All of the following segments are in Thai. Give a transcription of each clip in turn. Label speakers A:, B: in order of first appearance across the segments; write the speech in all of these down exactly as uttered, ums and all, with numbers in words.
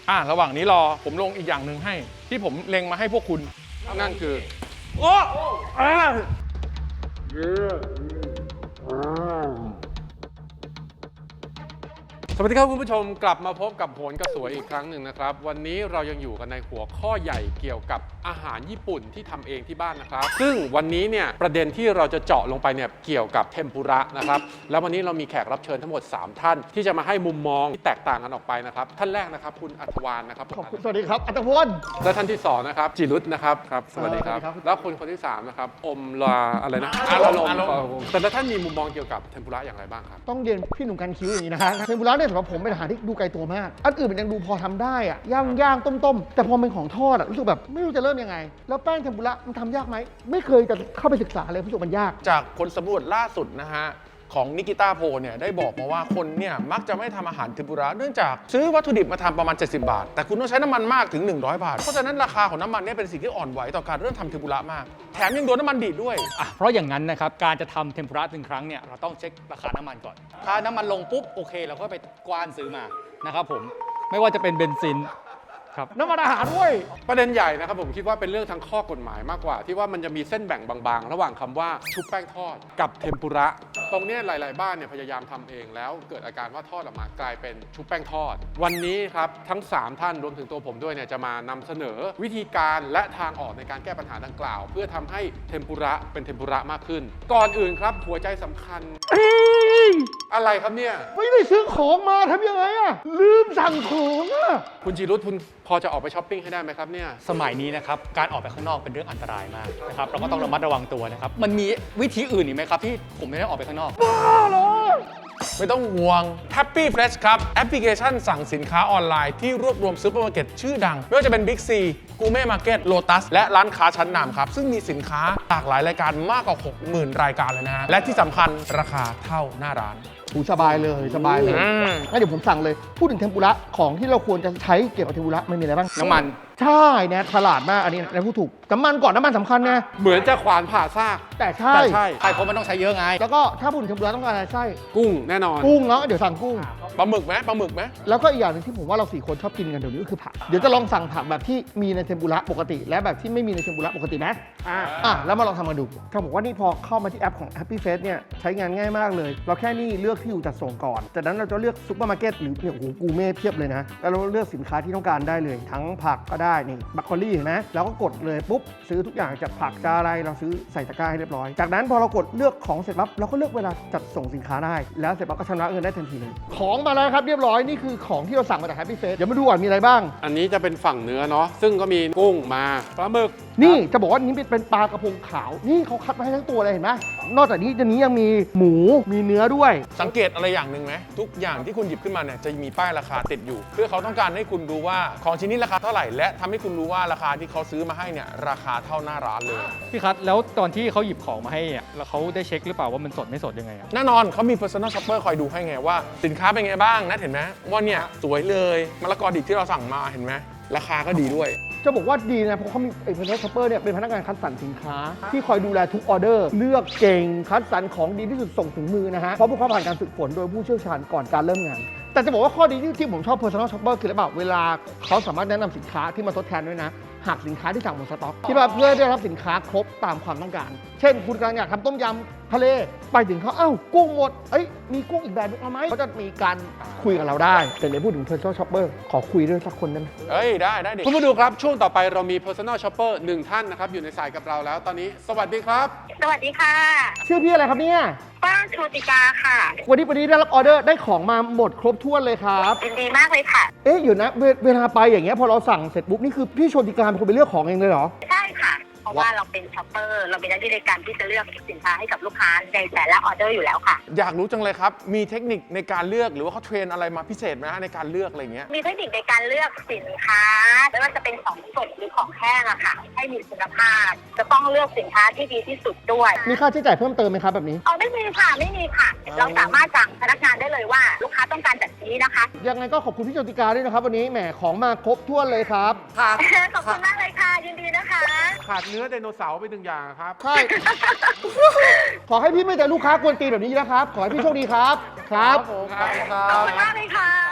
A: อ่ะระหว่างนี้รอผมลงอีกอย่างหนึ่งให้ที่ผมเล็งมาให้พวกคุณนั่นคือโอ้อ่าสวัสดีครับคุณผู้ชมกลับมาพบกับโหนกระสวยอีกครั้งหนึ่งนะครับวันนี้เรายังอยู่กันในหัวข้อใหญ่เกี่ยวกับอาหารญี่ปุ่นที่ทำเองที่บ้านนะครับซึ่งวันนี้เนี่ยประเด็นที่เราจะเจาะลงไปเนี่ยเกี่ยวกับเทมปุระนะครับแล้ววันนี้เรามีแขกรับเชิญทั้งหมดสามท่านที่จะมาให้มุมมองที่แตกต่างกันออกไปนะครับท่านแรกนะครับคุณอัธวานนะครับ
B: ขอบคุณสวัสดีครับอัตพล
A: และท่านที่สองนะครับจิรุตนะครับครับสวัสดีครับแล้วคนคนที่สามนะครับอมลาอะไรนะอารมณ์แต่ละท่านมีมุมมองเกี่ยวกับเทมปุระอย่างไรบ้างครับ
B: ต้องเรียนพี่หนุ่มกันคิ้วอย่างนี้นะคะเทมปุระเนี่ยสำหรับผมเป็นอาหารที่ดูไกลตัวมากอันอื่นมันยังดูพอทำได้อะย่างย่างต้มต้มแต่พอเป็นของทอดอะรู้สึกแบบไม่รู้จะเริ่มยังไงแล้วแป้งเทมปุระมันทำยากไหมไม่เคยจะเข้าไปศึกษาเลยรู้สึกมันยาก
C: จากผลสำรวจล่าสุดนะฮะของนิกิต้าโพเนี่ยได้บอกมาว่าคนเนี่ยมักจะไม่ทำอาหารเทมปุระเนื่องจากซื้อวัตถุดิบมาทำประมาณเจ็ดสิบบาทแต่คุณต้องใช้น้ำมันมากถึงหนึ่งร้อยบาทเพราะฉะนั้นราคาของน้ำมันเนี่ยเป็นสิ่งที่อ่อนไหวต่อการเริ่มทำเทมปุระมากแถมยังโดนน้ำมันดีดด้วย
D: อ่ะเพราะอย่างนั้นนะครับการจะทำเทมปุระหนึ่งครั้งเนี่ยเราต้องเช็คราคาน้ำมันก่อนถ้าน้ำมันลงปุ๊บโอเคเราก็ไปกว้านซื้อมานะครับผมไม่ว่าจะเป็นเบนซินครับ
B: น้ำมันอาหารด้วย
A: ประเด็นใหญ่นะครับผมคิดว่าเป็นเรื่องทางข้อกฎหมายมากกว่าที่ว่ามันจะมีเส้นแบ่งบางๆระหว่างคำว่าชุบแป้งทอดกับเทมปุระตรงนี้หลายๆบ้านเนี่ยพยายามทำเองแล้วเกิดอาการว่าทอดออกมากลายเป็นชุบแป้งทอดวันนี้ครับทั้งสามท่านรวมถึงตัวผมด้วยเนี่ยจะมานำเสนอวิธีการและทางออกในการแก้ปัญหาดังกล่าวเพื่อทำให้เทมปุระเป็นเทมปุระมากขึ้นก่อนอื่นครับหัวใจสำคัญอะไรครับเนี่ย
B: ไม่ได้ซื้อของมาทำยังไงอะลืมสั่งของอะ
A: คุณจิรุตคุณพอจะออกไปช้อปปิ้งให้ได้ไหมครับเนี่ย
D: สมัยนี้นะครับการออกไปข้างนอกเป็นเรื่องอันตรายมากนะครับเราก็ต้องระมัดระวังตัวนะครับมันมีวิธีอื่นอีกไหมครับที่ผมไม่ได้ออกไปข้างนอก
C: ไม่ต้องห่วง Happy Fresh ครับแอปพลิเคชันสั่งสินค้าออนไลน์ที่รวบรวมซูเปอร์มาร์เก็ตชื่อดังไม่ว่าจะเป็น Big C Gourmet Market Lotus และร้านค้าชั้นนำครับซึ่งมีสินค้าหลากหลายรายการมากกว่า หกหมื่น รายการเลยนะฮะและที่สำคัญราคาเท่าหน้าร้าน
B: หูสบายเลยสบายเลยงั้นเดี๋ยวผมสั่งเลยพูดถึงเทมปุระของที่เราควรจะใช้เกี่ยวกับเทมปุระมันมีอะไรบ้าง
D: น้ำมัน
B: ใช่เนี่ยฉลาดมากอันนี้นะพูดถูกน้ำมันก่อนน้ำมันสำคัญนะ
A: เหมือนจะขวานผ่าซาก
B: แต่ใช่
A: แต่ใช่
D: ใช่เพราะมันต้องใช้เยอะไง
B: แล้วก็ถ้าพูดถึงเทมปุระต้องการอะไรไส้
A: กุ้งแน่นอน
B: กุ้งเนาะเดี๋ยวสั่งกุ้ง
C: ปลาหมึกไหมปลาหมึกไหม
B: แล้วก็อีกอย่างหนึ่งที่ผมว่าเราสี่คนชอบกินกันเดี๋ยวนี้ก็คือผักเดี๋ยวจะลองสั่งผักแบบที่มีในเทมปุระปกติและแบบที่ไม่มีในเทมปุระปกตินะอ่าอ่ะแล้วมาลองทำมาดูเขาบอกว่านี่พอเข้ามาที่แอปของ Happy Face เนี่ยใช้งานง่ายมากเลยเราแค่นี่เลือกที่อยู่จัดส่งก่อนจากนั้นเราจะเลือกซุปเปอร์มาร์เก็ตหรือเนี่ยโอ้โหกูเม่เพียบเลยนะแล้วเราเลือกสินค้าที่ต้องการได้เลยทั้งผักก็ได้นี่บัคโคลี่เห็นไหมแล้วก็กดเลยปุ๊บซื้อทุกอย่างจากผักจะอะไรเราซื้อใส่ตะกร้าให้เรียบร้อยจากนั้นพอเรากดเลือกของเสร็จปั๊บเราก็เลือกเวลาจัดส่งสินค้าได้แล้วเสร็จปั๊บก็ชำระเงินได้ทันทีเลยของมาแล้วครับเรียบร้อยนี่คือของที่เราสั่งมาจาก Happy Face เดี๋ยวมาดูก่อนมีอะไรบ้าง
A: อันนี้จะเป็นฝั่งเนื้อเนาะซึ่งก็มีกุ้งมาปลาหมึก
B: นี่จะบอกว่านี้เป็นปลากระพงขาวนี่เขาคัดมาให้ทั้งตัวเลยเห็นไหมนอกจากนี้จะนี้ยังมีหมูมีเนื้อด้วย
C: สังเกตอะไรอย่างหนึ่งไหมทุกอย่างที่คุณหยิบขึ้นมาเนี่ยจะมีป้ายราคาติดอยู่เพื่อเขาต้องการให้คุณรู้ว่าของชิ้นนี้ราคาเท่าไหร่และทำให้คุณรู้ว่าราคาที่เขาซื้อมาให้เนี่ยราคาเท่าหน้าร้านเลย
D: พี่คัทแล้วตอนที่เขาหยิบของมาให้เนี่ยแล้วเขาได้เช็คหรือเปล่าว่ามันสดไม่สดยังไงอะ
C: แน่นอนเขามี personal shopper คอยดูให้ไงว่าสินค้าเป็นไงบ้างนะเห็นไหมว่าเนี่ยสวยเลยมะละกอดิบที่เราสั่งมาเห็นไหมราคาก็ดีด้วย
B: จะบอกว่าดีนะเพราะเขามีไอ้พนักงานช็อปเปอร์เนี่ยเป็นพนักงานคัดสรรสินค้าที่คอยดูแลทุกออเดอร์เลือกเก่งคัดสรรของดีที่สุดส่งถึงมือนะฮะเพราะพวกเขาผ่านการฝึกฝนโดยผู้เชี่ยวชาญก่อนการเริ่มงานแต่จะบอกว่าข้อดีที่ผมชอบ personal shopper คืออะไรบ้างเวลาเขาสามารถแนะนำสินค้าที่มาทดแทนด้วยนะหากสินค้าที่สั่งหมดสต็อกที่ว่าเพื่อได้รับสินค้าครบตามความต้องการเช่นคุณกำลังอยากทำต้มยำทะเลไปถึงเขาเอ้ากุ้งหมดเอ้ยมีกุ้งอีกแบบนึงเอาไหมเขาจะมีการคุยกับเราได้แต่ในพูดถึง personal shopper ขอคุยด้วยสักคนได้ไหม
C: เอ้ยได้ได้ดิ
A: คุณผู้ดูครับช่วงต่อไปเรามี personal shopper หนึ่งท่านนะครับอยู่ในสายกับเราแล้วตอนนี้สวัสดีครับ
E: สวัสดีค่ะ
B: ชื่อพี่อะไรครับเนี่ย
E: ป้าโชติกาค่ะ
B: วันนี้วันนี้ได้รับออเดอร์ได้ของมาหมดครบถ้วนเลยครับ
E: ยินดีมากเลยค่ะ
B: เอ๊ะอยู่นะเวเวลาไปอย่างเงี้ยพอเราสั่งเสร็จปุ๊บนี่คือพี่โชติกาเป็นคนไปเลือกของเองเลยเหรอ
E: ใช่ค่ะเพราะว่าเราเป็นช็อปเปอร์เราเป็นหน้าที่ในการที่จะเลือกสินค้าให้กับลูกค้าในแต่ละออเดอร์อยู่แล้วค่ะ
C: อยากรู้จังเลยครับมีเทคนิคในการเลือกหรือว่าเขาเทรนอะไรมาพิเศษไหมฮะในการเลือกอะไรเงี้ย
E: มีเทคนิคในการเลือกสินค้าไม่ว่าจะเป็นของสดหรือของแห้งอะค่ะให้มีคุณภาพจะต้องเลือกสินค้าที่ดีที่สุดด้วย
B: มีค่าใช้จ่ายเพิ่มเติมไหมครับแบบนี้
E: อ๋อไม่มีค่ะไม่มีค่ะเราสามารถสั่งพนักงานได้เลยว่าลูกค้าต้องการแบบนี้นะคะ
B: ยังไงก็ขอบคุณพี่โชติกาด้วยนะครับวันนี้แหมของมาครบถ้วนเลยครับ
E: ค่ะขอบคุณมากเลยค่ะยินดีนะคะ
A: ขาดเนื้อไดโนเสาร์ไปหนึ่งอย่างครับ
B: ใช่ขอให้พี่ไม่แต่ลูกค้ากวนตีนแบบนี้นะครับขอให้พี่โชคดีครับครับ
E: ขอบคุณมากเลยค่ะ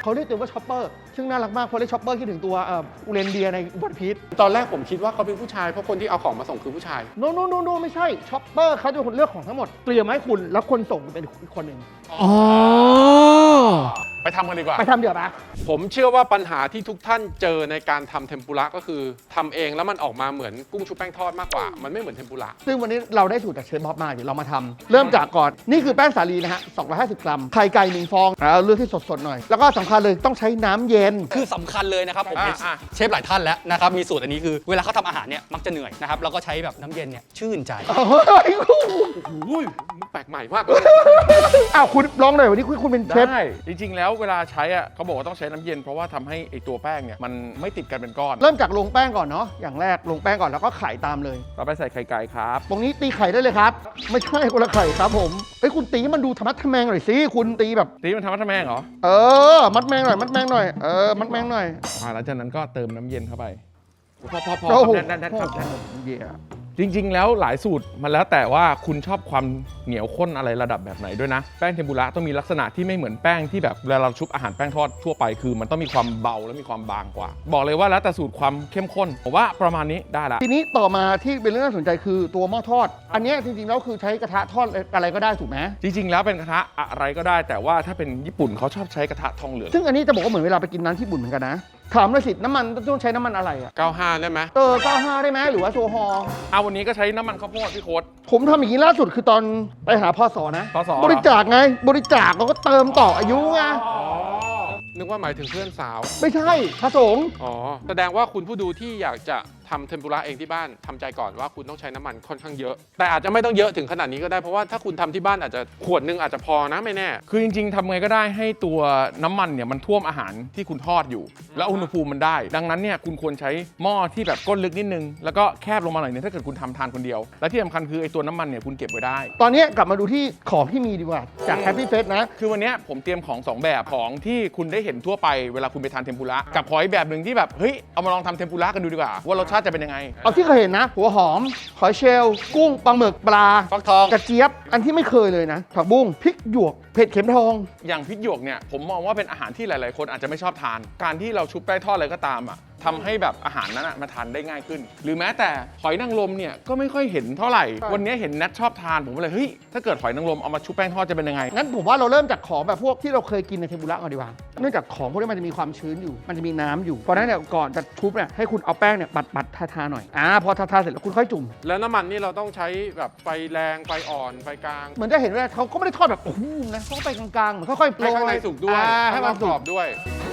B: เขาเรียกตัวว่าช็อปเปอร์ซึ่งน่ารักมากเพราะเรียกช็อปเปอร์คิดถึงตัวเอ่ออูเรนเดียในวันพีช
A: ตอนแรกผมคิดว่าเขาเป็นผู้ชายเพราะคนที่เอาของมาส่งคือผู้ชาย
B: โนโนโนโนไม่ใช่ช็อปเปอร์เขาจะเป็นคนเลือกของทั้งหมดเตรียมมาให้คุณแล้วคนส่งเป็นอีกคนหนึ่ง
C: อ๋อ ไปทำกันดีกว่า
B: ไปทำเดี๋ยวนะ
A: ผมเชื่อว่าปัญหาที่ทุกท่านเจอในการทำเทมปุระก็คือทำเองแล้วมันออกมาเหมือนกุ้งชุบแป้งทอดมากกว่า มันไม่เหมือนเทมปุระ
B: ซึ่งวันนี้เราได้สูตรจากเชฟบ๊อบมาเดี๋ยวเรามาทำเริ่มจากก่อนนี่คือแป้งสาลีนะฮะสองร้อยห้าสิบกรัมไข่ไก่หนึ่งฟองแล้วเลือกที่สดๆหน่อยแล้วก็สำคัญเลยต้องใช้น้ำเย็น
D: คือสำคัญเลยนะครับผม
C: อ่ะ
D: เห็น
C: อ่ะ
D: เชฟหลายท่านแล้วนะครับมีสูตรอันนี้คือเวลาเขาทำอาหารเนี่ยมักจะเหนื่อยนะครับแล้วก็ใช้แบบน้ำเย็นเนี่ยชื่นใจ
B: เฮ้ย
A: อุ้ยมันแปลกใหม่มากเลย
B: อ้าวคุณลองหน่อยวันนี้คุณคุณเป็นเชฟ
C: ได้จริงๆแล้วเวลาใช้อ่ะเขาบอกว่าต้องใช้น้ำเย็นเพราะว่าทำให้ไอตัวแป้งเนี่ยมันไม่ติดกันเป็นก้อน
B: เริ่มจากลงแป้งก่อนเนาะอย่างแรกลงแป้งก่อนแล้วก็ไข่ตามเลย
C: เราไปใส่ไข่ไก่ครับ
B: ตรงนี้ตีไข่ได้เลยครับ ไม่ใช่คนละไข่ครับผมเอ้ยคุณตีให้มันดูธรรมะทะแมงหน่อยสิคุณตีแบบ
C: ตีมันทำมัดทำแมงเหรอ
B: เออ มัดแมงหน่อยมัดแมงหน่อยเออมัดแมงหน่อย
C: อ่าหลังจากนั้นก็เติมน้ำเย็นเข้าไปพอพอพอ
B: โอ้โห
C: แน่นแน่นแน่นครับแน่น
B: เยี่ย
C: จริง ๆ แล้วหลายสูตรมันแล้วแต่ว่าคุณชอบความเหนียวข้นอะไรระดับแบบไหนด้วยนะ แป้งเทมปุระต้องมีลักษณะที่ไม่เหมือนแป้งที่แบบเวลาเราชุบอาหารแป้งทอดทั่วไปคือมันต้องมีความเบาและมีความบางกว่า บอกเลยว่าแล้วแต่สูตรความเข้มข้นผมว่าประมาณนี้ได้ละ
B: ทีนี้ต่อมาที่เป็นเรื่องน่าสนใจคือตัวหม้อทอด อันเนี้ยจริงๆแล้วคือใช้กระทะทอดอะไรก็ได้ถูกไหม
C: จริง ๆ แล้วเป็นกระทะอะไรก็ได้ แต่ว่าถ้าเป็นญี่ปุ่นเขาชอบใช้กระทะทองเหลือง
B: ซึ่งอันนี้จะบอกว่าเหมือนเวลาไปกินร้านญี่ปุ่นเหมือนกันนะถามเลยสิน้ำมันต้องใช้น้ำมันอะไรอะ
A: เก้าห้าได้ไหม
B: เออเก้าห้าได้ไหมหรือว่าโซฮอล์
C: เอาวันนี้ก็ใช้น้ำมันข้าวโพดพี่โค้ด
B: ผมทำอย่างนี้ล่าสุดคือตอนไปหาพ่อสอนะ
C: พศ
B: บริจาคไงบริจาคเราก็เติมต่ออายุไง
A: นึกว่าหมายถึงเพื่อนสาว
B: ไม่ใช่พระสงฆ์
A: อ๋อ แสดงว่าคุณผู้ดูที่อยากจะทำเทมปุระเองที่บ้านทำใจก่อนว่าคุณต้องใช้น้ำมันค่อนข้างเยอะ แต่อาจจะไม่ต้องเยอะถึงขนาดนี้ก็ได้เพราะว่าถ้าคุณทำที่บ้านอาจจะขวดหนึงอาจจะพอนะไม่แน่
C: คือจริงๆทำไงก็ได้ให้ตัวน้ำมันเนี่ยมันท่วมอาหารที่คุณทอดอยู่ แล้วอุณหภูมิมันได้ ดังนั้นเนี่ยคุณควรใช้หม้อที่แบบก้นลึกนิดนึงแล้วก็แคบลงมาหน่อยนึงถ้าเกิดคุณทำทานคนเดียว และที่สำคัญคือไอ้ตัวน้ำมันเนี่ยคุณเก็บไว้ได้
B: ตอนนี้กลับมาดูที่ของที่มีดีกว่าจากแฮปปี้เฟสนะ
C: คือวันเนี้ยผมเตรียมของสองแบบของที่คุณได้เห็นทั่วไปเวลาคุณไปทานเทมปุระกับของอีกแบบหนึ่งที่แบบเฮ้ยเอามาลองทำเทมปุระกันดูดีกว่าว่ารสชาติจะเป็นยังไง
B: เอาที่เคยเห็นนะ หัวหอมหอยเชลล์กุ้งปลาหมึกปลา
D: ฟักทอง
B: กระเจี๊ยบ อันที่ไม่เคยเลยนะ ผักบุ้งพริกหยวก เผ็ดเข็มทอง
C: อย่างพริกหยวกเนี่ยผมมองว่าเป็นอาหารที่หลาย ๆ คนอาจจะไม่ชอบทาน การที่เราชุบแป้งทอดอะไรก็ตามอ่ะทำให้แบบอาหารนั้นอะมาทานได้ง่ายขึ้น หรือแม้แต่หอยนางรมเนี่ยก็ไม่ค่อยเห็นเท่าไหร่
B: ใช่
C: วันนี้เห็นแนทชอบทานผมก็เลยเฮ้ยถ้าเกิดหอยนางรมเอามาชุบแป้งทอดจะเป็นยังไง
B: งั้นผมว่าเราเริ่มจากของแบบพวกที่เราเคยกินในเทมปุระก่อนดีกว่า เนื่องจากของพวกนี้มันจะมีความชื้นอยู่ มันจะมีน้ำอยู่ เพราะฉะนั้นเนี่ยก่อนจะชุบเนี่ยให้คุณเอาแป้งเนี่ยบัดบัดทาทาๆหน่อย อ่า พอทาทาๆเสร็จแล้วคุณค่อยจุ่ม
A: แล้วน้ำมันนี่เราต้องใช้แบบไฟแรงไฟอ่อนไฟกลาง
B: เหมือนจะเห็นว่าเขาก็ไม่ได้ทอดแบบโอ้โหนะเขาก็ไปกลางๆเหมือนค่อยๆโปร
A: ให้
B: ย
A: ข้างในสุกด้วย
B: อ่าให้
A: ให้
B: มั
A: มัน น
B: สุ
A: กร
B: ก
A: อบด้วย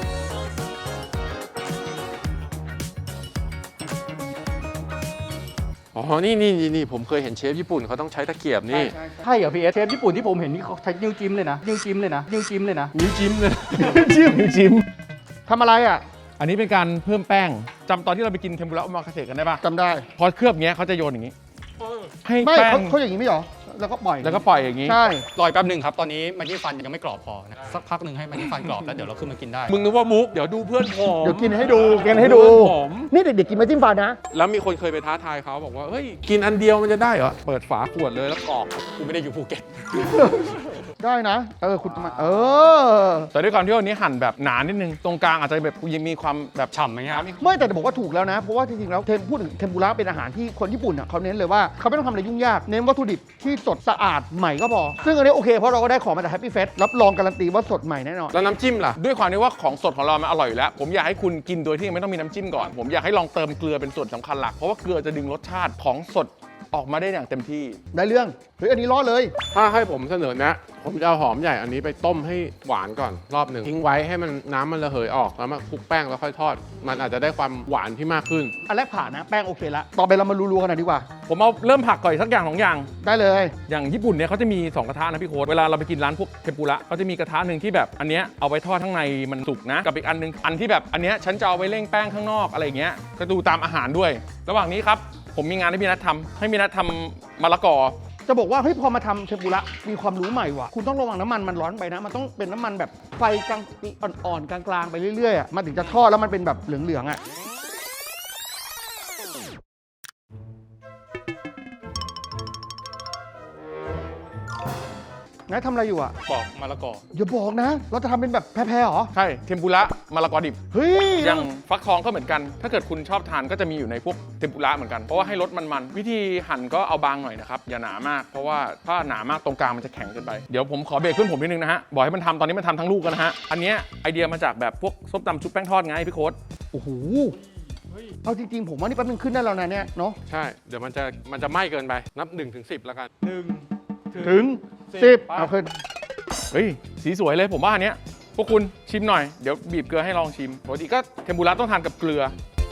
A: อ๋อนี่นี่นี่นี่ผมเคยเห็นเชฟญี่ปุ่นเขาต้องใช้ตะเกียบนี่
D: ใช่เหรอพี่เอสเชฟญี่ปุ่นที่ผมเห็นนี่เขาใช้นิ้วจิ้มเลยนะนิ้วจิ้มเลยนะนิ้วจิ้มเลยนะ
A: นิ้วจิ้มเลย
C: จิ้มจิ้ม
B: ทำอะไรอ่ะ
C: อันนี้เป็นการเพิ่มแป้งจำตอนที่เราไปกินเทมปุระโอมาคาเสะกันได้ปะ
B: จำได้
C: พอเคลือบเงี้ยเขาจะโยนอย่างงี้ให้
B: ไม่
C: แป้ง
B: เขาเขาอย่างนี้ไม่เหรอ แล้วก็ปล่อย
C: แล้วก็ปล่อยอย่างงี้
B: ใช่
D: รอยแป๊บหนึ่งครับ ตอนนี้มันที่ฟันยังไม่กรอบพอนะสักพักหนึ่งให้มันที่ฟันกรอบแล้วเดี๋ยวเราขึ้นมากินได้
A: มึงนึกว่ามุกเดี๋ยวดูเพื่อนผม
B: เดี๋ยวกินให้ดูกินให้ดู
A: เพื่อนผม
B: นี่เด็กๆกินมาจิ้มฟันนะ
A: แล้วมีคนเคยไปท้าทายเขาบอกว่าเฮ้ยกินอันเดียวมันจะได้เหรอเปิดฝาขวดเลยแล้วกรอก
D: กูไม่ได้อยู่ภูเก็ต
B: ได้นะ เออ คุณมา เออ
C: แต่ด้วยความที่วันนี้หั่นแบบหนานิดนึงตรงกลางอาจจะแบบยังมีความแบบ
D: ฉ่ำไหมครับ
B: ไม่แต่จะบอกว่าถูกแล้วนะ เพราะว่าจริงๆ แล้วเทมพูดถึงเทมปุระเป็นอาหารที่คนญี่ปุ่นอ่ะเขาเน้นเลยว่าเขาไม่ต้องทำอะไรยุ่งยาก เน้นวัตถุดิบที่สดสะอาดใหม่ก็พอ ซึ่งอันนี้โอเคเพราะเราก็ได้ของมาจากแฮปปี้เฟสรับรองการันตีว่าสดใหม่แน่นอน
A: แล้วน้ำจิ้มล่ะ
C: ด้วยความที่ว่าของสดของเรามันอร่อยอยู่แล้ว ผมอยากให้คุณกินโดยที่ยังไม่ต้องมีน้ำจิ้มก่อน ผมอยากให้ลองเติมเกลือเป็นส่วนสำคัญหลัก เพราะว่าเกลือจะดึงรสชาติของสดออกมาได้อย่างเต็มที่
B: ได้เรื่อง เฮ้ย อันนี้ล้อเลย
A: ถ้าให้ผมเสนอแนะ ผมจะเอาหอมใหญ่อันนี้ไปต้มให้หวานก่อนรอบหนึ่งทิ้งไว้ให้มันน้ำมันระเหยออกแล้วมาคลุกแป้งแล้วค่อยทอด มันอาจจะได้ความหวานที่มากขึ้น
B: อันแรกผ่านนะ แป้งโอเคละต่อไปเรามารัวๆกันหน่อยดีกว่า
C: ผมเอาเริ่มผักก่อนอีกสักอย่างสองอย่าง
B: ได้เลย
C: อย่างญี่ปุ่นเนี่ยเขาจะมีสองกระทะนะพี่โค้ดเวลาเราไปกินร้านพวกเทมปุระเขาจะมีกระทะหนึ่งที่แบบอันเนี้ยเอาไว้ทอดข้างในมันสุกนะ กับอีกอันหนึงอันที่แบบอันเนี้ยฉันจะเอาไว้เร่งแป้งข้างนอกอะไรอย่างเงี้ยก็ดูตามอาหารด้วย ระหว่างนี้ครับผมมีงานให้พี่นัททำให้พี่นัททำมะละกอ
B: จะบอกว่าเฮ้ยพอมาทำเทมปุระมีความรู้ใหม่ว่ะ คุณต้องระวังน้ำมันมันร้อนไปนะ มันต้องเป็นน้ำมันแบบไฟกลางอ่อนๆกลางๆไปเรื่อยๆอ่ะมันถึงจะทอดแล้วมันเป็นแบบเหลืองๆอ่ะ มนายทำอะไรอยู่อ่ะ
D: ปอกมะละกอ
B: อย่าบอกนะ เราจะทำเป็นแบบแพ้ๆเหรอ
C: ใช่เทมปุระมะละกอดิบ
B: เฮ้ย
C: อย่างฟักทองก็เหมือนกัน ถ้าเกิดคุณชอบทานก็จะมีอยู่ในพวกเทมปุระเหมือนกัน เพราะว่าให้รสมันๆ วิธีหั่นก็เอาบางหน่อยนะครับ อย่าหนามาก เพราะว่าถ้าหนามากตรงกลางมันจะแข็งเกินไป เดี๋ยวผมขอเบรกขึ้นผมนิดนึงนะฮะ บอกให้มันทำตอนนี้มันทำทั้งลูกกันนะฮะ อันเนี้ยไอเดียมาจากแบบพวกส้มตำชุบแป้งทอดไงพี่โค้ด
B: โอ้โห เอาจริงๆ ผมว่านี่แป๊บนึงขึ้นได้แล้วนะเนี่ยเนาะ
A: ใช่ เดี๋ยวมันจะมันจะไหม้เกินไป นับ1นถึงสิแล้วกันหนึ่ง
B: ถึงสิบเอาขึ้น
C: เฮ้ยสีสวยเลยผมว่าอันเนี้ยพวกคุณชิมหน่อย เดี๋ยวบีบเกลือให้ลองชิม ปกติก็เทมปุระต้องทานกับเกลือ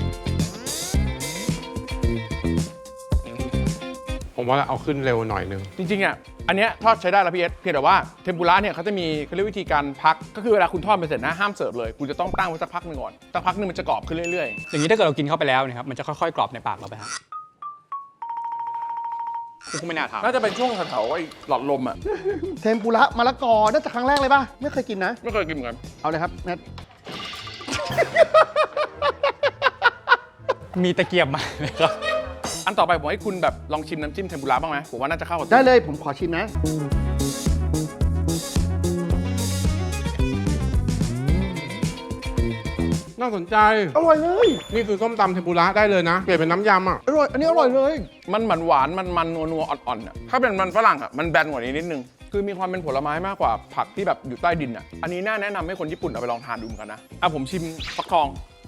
A: ผมว่าเอาขึ้นเร็วหน่อยนึง
C: จริงๆอ่ะ อันเนี้ยทอดใช้ได้แล้วพี่เอสเพียงแต่ว่าเทมปุระเนี่ยเขาจะมีเขาเรียกวิธีการพัก ก็คือเวลาคุณทอดไปเสร็จนะห้ามเสิร์ฟเลย คุณจะต้องตั้งไว้สักพักหนึ่งก่อน สักพักหนึ่งมันจะกรอบขึ้นเรื่อย
D: อย่างนี้ถ้าเกิดเรากินเข้าไปแล้วนะครับมันจะค่อยๆกรอบในปากเราไปฮะคุณไม่น่าถาม
C: ๆ น่าจะเป็นช่วงแถวๆไอ้หลอดลมอ่ะ
B: เทมปุระมะละกอน่าจะครั้งแรกเลยป่ะ ไม่เคยกินนะ
C: ไม่เคยกินเหมือนกัน
B: เอาเลยครับแนท
D: มีตะเกียบมาไหมครับ
C: อันต่อไปผมให้คุณแบบลองชิมน้ำจิ้มเทมปุระบ้างไหมผมว่าน่าจะเข้ากับ
B: ได้เลยผมขอชิมนะ
A: น่าสนใจ
B: อร่อยเลย
A: นี่คือส้มตำเทมปุระได้เลยนะ เปลี่ยนเป็นน้ำยำอ่ะ
B: อร่อย อันนี้อร่อยเลย
C: มันหวานหวานๆมันมันนัวนัวๆอ่อนๆอ่ะถ้าเป็นมันฝรั่งอ่ะมันแบนกว่านี้นิดนึงคือมีความเป็นผลไม้มากกว่าผักที่แบบอยู่ใต้ดินอ่ะอันนี้น่าแนะนำให้คนญี่ปุ่นเอาไปลองทานดูเหมือนกันนะอ่ะผมชิมฟักทอง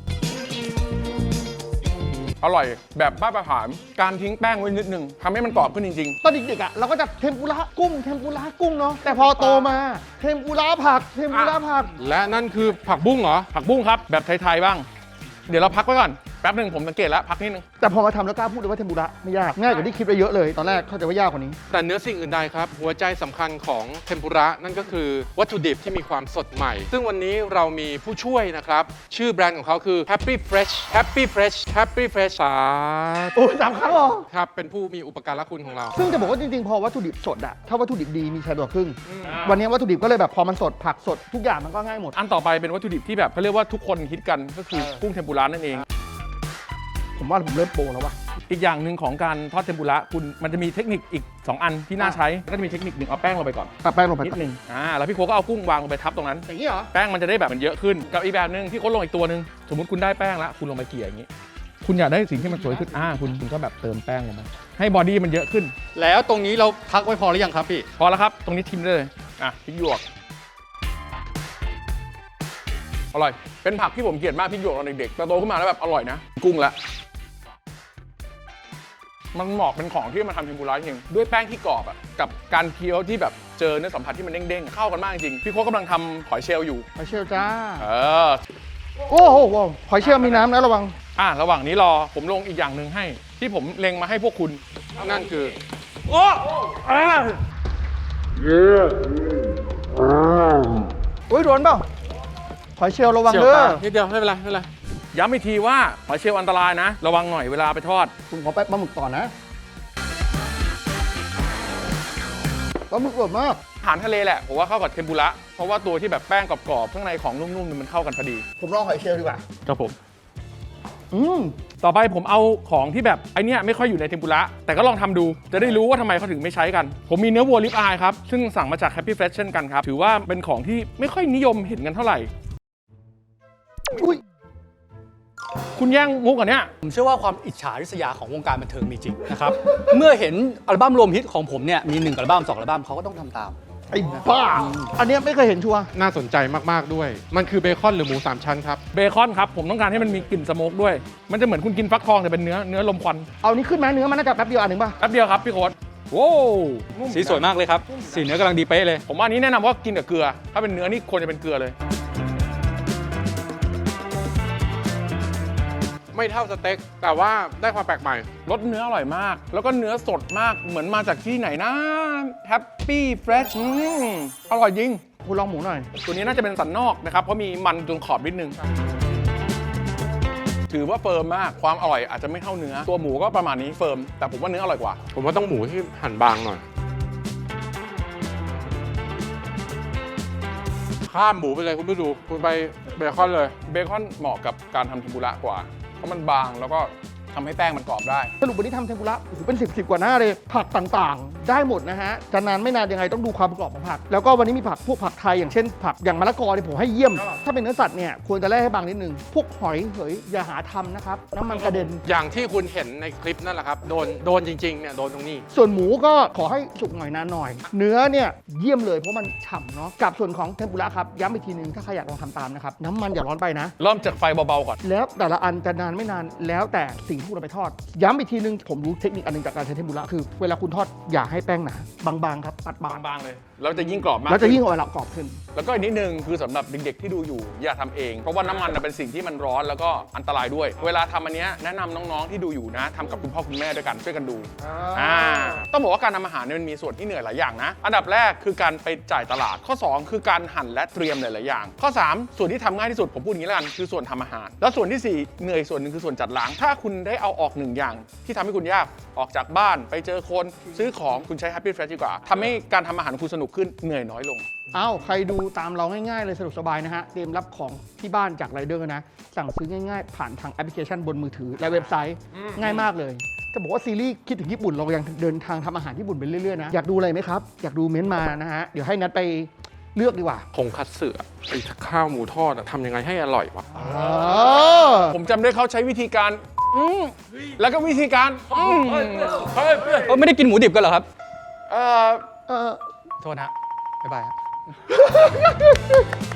C: อร่อยแบบมาตรฐานการทิ้งแป้งไว้นิดนึงทำให้มันกรอบขึ้นจริง
B: ตอนเด็กๆอ่ะเราก็จะเทมปุระกุ้ง เทมปุระกุ้งเนาะ แต่พอโตมา เทมปุระผัก เทมปุระผัก
A: และนั่นคือผักบุ้งเหรอ
C: ๆ ผักบุ้งครับแบบไทยๆบ้าง เดี๋ยวเราพักไว้ก่อนแป๊บหนึ่งผมสังเกตแล้วพักนิดนึง
B: แต่พอมาทำแล้วกล้าพูดเลยว่าเทมปุระไม่ยาก ง่ายกว่าที่คิดไปเยอะเลย ตอนแรกเข้าใจว่ายากกว่านี้
A: แต่เนื้อสิ่งอื่นใดครับ หัวใจสำคัญของเทมปุระนั่นก็คือวัตถุดิบที่มีความสดใหม่ ซึ่งวันนี้เรามีผู้ช่วยนะครับ ชื่อแบรนด์ของเขาคือ Happy Fresh Happy Fresh Happy Fresh สา
B: โอ้ยสามครั้งเหรอ
A: ครับเป็นผู้มีอุปการะคุณของเรา
B: ซึ่งจะบอกว่าจริงๆ พอวัตถุดิบสดอะถ้าวัตถุดิบดีมีชัยกว่าครึ่ง วันนี้วัตถุดิบก็เลยแบบพอมันสดผักสดทุกอย่างมันก็ง่ายหมด
C: อันต่อไปเป็นวัตถุดิบที่แบบเขาเรียกว่าทุกคนคิดกันก็คือกุ้งเทมปุระนั่นเอง
B: ผมว่าผมเริ่มโปรแล้วว่ะ
C: อีกอย่างหนึ่งของการทอดเทมปุระคุณมันจะมีเทคนิคอีกสองอันที่น่าใช้ก็จะมีเทคนิคหนึ่งเอาแป้งลงไปก่อน
B: ตัดแป้งลงไป
C: นิดนึงอ่าแล้วพี่โค้กก็เอากุ้งวางลงไปทับตรงนั้น
B: อย่างนี้เหรอ
C: แป้งมันจะได้แบบมันเยอะขึ้นกับอีกแบบหนึ่งพี่โค้ดลงอีกตัวหนึ่งสมมติคุณได้แป้งแล้วคุณลงไปเกลี่ยอย่างนี้ คุณอยากได้สิ่งที่มันสวยขึ้นอ่าคุณคุณก็แบบเติมแป้งลงไปให้บอดี้มันเยอะขึ้น
D: แล้วตรงนี้เราพักไว้พอหรือยังครับพี่
C: พอแล้วครับตรงนี้ทิมได้เลยอ่ะพริกหยวกอร่อยเป็นผักที่ผมเกลียดมากพริกหยวกตอนเด็กๆแต่โตขึ้นมาแล้วแบบอร่อยนะกุ้งละมันเหมาะเป็นของที่มาทำเทมปุระจริงด้วยแป้งที่กรอบอ่ะกับการเคี้ยวที่แบบเจอเนื้อสัมผัสที่มันเด้งๆเข้ากันมากจริงพี่โค้กกำลังทำหอยเชลล์อยู่
B: หอยเชลล์จ้า
C: เออ
B: โอ้โหหอยเชลล์มีน้ำนะระวัง
C: อ่ะระหว่างนี้รอผมลงอีกอย่างหนึ่งให้ ที่ผมเล็งมาให้พวกคุณ
A: นั่นคือ
C: โอ้อ่ะ
B: อุ้ยโดนเปล่าหอยเชลล์ระวัง
A: เฉียว
B: เด้อ
A: ตานิดเดียวไม่เป็นไรไม่เป็นไร
C: ย้ำอีกทีว่าหอยเชลล์อันตรายนะ ระวังหน่อยเวลาไปทอด
B: ผมขอแป๊บปลาหมึกก่อนนะปลาหมึกอร่อยมาก
C: อาหารทะเลแหละผมว่าเข้ากับเทมปุระเพราะว่าตัวที่แบบแป้งกรอบๆข้างในของนุ่มๆเนี่ยมันเข้ากันพอดี
B: ผมลองหอยเชลล์ดีกว่า
C: ครับผม
B: อืม
C: ต่อไปผมเอาของที่แบบไอเนี้ยไม่ค่อยอยู่ในเทมปุระแต่ก็ลองทำดูจะได้รู้ว่าทำไมเขาถึงไม่ใช้กัน ผมมีเนื้อวัวลิปอายครับซึ่งสั่งมาจาก Happy Fresh เช่นกันครับถือว่าเป็นของที่ไม่ค่อยนิยมเห็นกันเท่าไหร่
B: อุ้ย
C: คุณแย่งมุกอันเนี้ย
D: ผมเชื่อว่าความอิจฉาริษยาของวงการบันเทิงมีจริงนะครับ เมื่อเห็นอัลบั้มรวมฮิตของผมเนี่ยมีหนึ่งอัลบั้มสองอัลบั้มเขาก็ต้องทำตาม
B: ไอ้บ้า อันเนี้ยไม่เคยเห็นชัวร์
A: น่าสนใจมากๆด้วย มันคือเบคอนหรือหมูสามชั้นครับ
C: เบคอนครับผมต้องการให้มันมีกลิ่นสโมกด้วย มันจะเหมือนคุณกินฟักทองแต่เป็นเนื้อเนื้อลมควัน
B: เอานี้ขึ้นไหมเนื้อมันน่าจะแป๊บเดียวอันหนึ่งป่ะ
C: แป๊บเดียวครับพี่โค้ดโว้วนุ่
D: สีสวยมากเลยครับ สีเนื้อกำลังดีเป๊ะเลย
C: ผมว่าอันนี้แนะนำว่ากินกับเกลือ ถ้าเป็นเนื้อนี่ควรจะเป็นเกลือเลย
A: ไม่เท่าสเต็กแต่ว่าได้ความแปลกใหม่
C: รสเนื้ออร่อยมาก แล้วก็เนื้อสดมากเหมือนมาจากที่ไหนนะ Happy Fresh อืมอร่อยจริง
B: คุณลองหมูหน่อย
C: ตัวนี้น่าจะเป็นสันนอกนะครับเพราะมีมันตรงขอบนิดนึง ถือว่าเฟิร์มมากความอร่อยอาจจะไม่เท่าเนื้อ ตัวหมูก็ประมาณนี้เฟิร์มแต่ผมว่าเนื้ออร่อยกว่า
A: ผมว่าต้องหมูที่หั่นบางหน่อย ข้ามหมูไปเลยคุณผู้ดูคุณไปเบคอนเลย
C: เบคอนเหมาะกับการทำเทมปุระกว่า เพราะมันบางแล้วก็ทำให้แป้งมันกรอบได้
B: สรุปวันนี้ทำเทมปุระโอ้โหเป็นสิบสิบกว่าหน้าเลย ผักต่างๆ ได้หมดนะฮะ จะนานไม่นานยังไงต้องดูความกรอบของผัก แล้วก็วันนี้มีผักพวกผักไทยอย่างเช่นผักอย่างมะละกอเนี่ยผมให้เยี่ยม ถ้าเป็นเนื้อสัตว์เนี่ยควรจะแล่ให้บางนิดนึง พวกหอยเหยอย่าหาทำนะครับ น้ำมันกระเด็น
A: อย่างที่คุณเห็นในคลิปนั่นแหละครับ โดนโดนจริงๆเนี่ยโดนตรงนี้
B: ส่วนหมูก็ขอให้สุกหน่อยนานหน่อย เนื้อเนี่ยเยี่ยมเลยเพราะมันฉ่ำเนาะ กับส่วนของเทมปุระครับย้ำอีกทีนึงถ้าใครอยากลองทำตามนะครับน้ำมันอย่าร้อนไปนะ
C: เริ่มจากไฟเบาๆก่อน
B: แล้วแต่ละอันจะนานไม่นานแล้วแต่สิ่งที่คุณเอาไปทอด ย้ำอีกทีนึงผมรู้เทคนิคอันหนึงจากการใช้เทมปุระคือเวลาคุณทอดอย่าให้แป้งหนาบางๆครับปัดบาง
C: บางๆเลยแล้วจะยิ่งกรอบมาก
B: แล้วจะยิ่งเอาเวลากรอบขึ้น
C: แล้วก็อีกนิดนึงคือสำหรับเด็กๆที่ดูอยู่อย่าทำเอง เพราะว่าน้ำมันน่ะเป็นสิ่งที่มันร้อนแล้วก็อันตรายด้วย เวลาทำอันเนี้ยแนะนำน้องๆที่ดูอยู่นะทำกับคุณพ่อคุณแม่ด้วยกันช่วยกันดูอ่าต้องบอกว่าการทำอาหารเนี่ยมันมีส่วนที่เหนื่อยหลายอย่างนะ อันดับแรกคือการไปจ่ายตลาด ข้อสองคือการหั่นและเตรียมหลายๆอย่าง ข้อสามส่วนที่ทำง่ายที่สุดผมพูดอย่างนี้แล้วกันคือส่วนทำอาหาร แล้วส่วนที่สี่เหนื่อยส่วนหนึ่งคือส่วนจัดล้างถ้าคุณได้เอาออกหนึ่งอย่าง ที่ทำให้คุณยากออกจากบ้านไปเจอคนซื้อของคุณใช้ Happy Fresh ดีกว่าทำให้การทำอาหารของคุณสนุกขึ้นเหนื่อยน้อยลง
B: เอ้าใครดูตามเราง่ายๆเลยสะดวกสบายนะฮะเตรียมรับของที่บ้านจากไรเดอร์นะสั่งซื้อง่ายๆ ผ่านทางแอปพลิเคชันบนมือถือและเว็บไซต์ง่ายมากเลยจะบอกว่าซีรีส์คิดถึงญี่ปุ่นเรายังเดินทางทำอาหารญี่ปุ่นไปเรื่อยๆนะอยากดูอะไรไหมครับอยากดูเม้นต์มานะฮะเดี๋ยวให้นัดไปเลือกดีกว่า
A: คงคัตสึอะไอ้ข้าวหมูทอดอะทำยังไงให้อร่อยวะ
B: อ๋อ
C: ผมจำได้เขาใช้วิธีการอืมแล้วก็วิธีการอืมเฮ้ยเฮ้ย
D: เออไม่ได้กินหมูดิบกันเหรอครับ
C: เอ่อ
B: เออ
D: โทษนะบ๊ายบายฮะ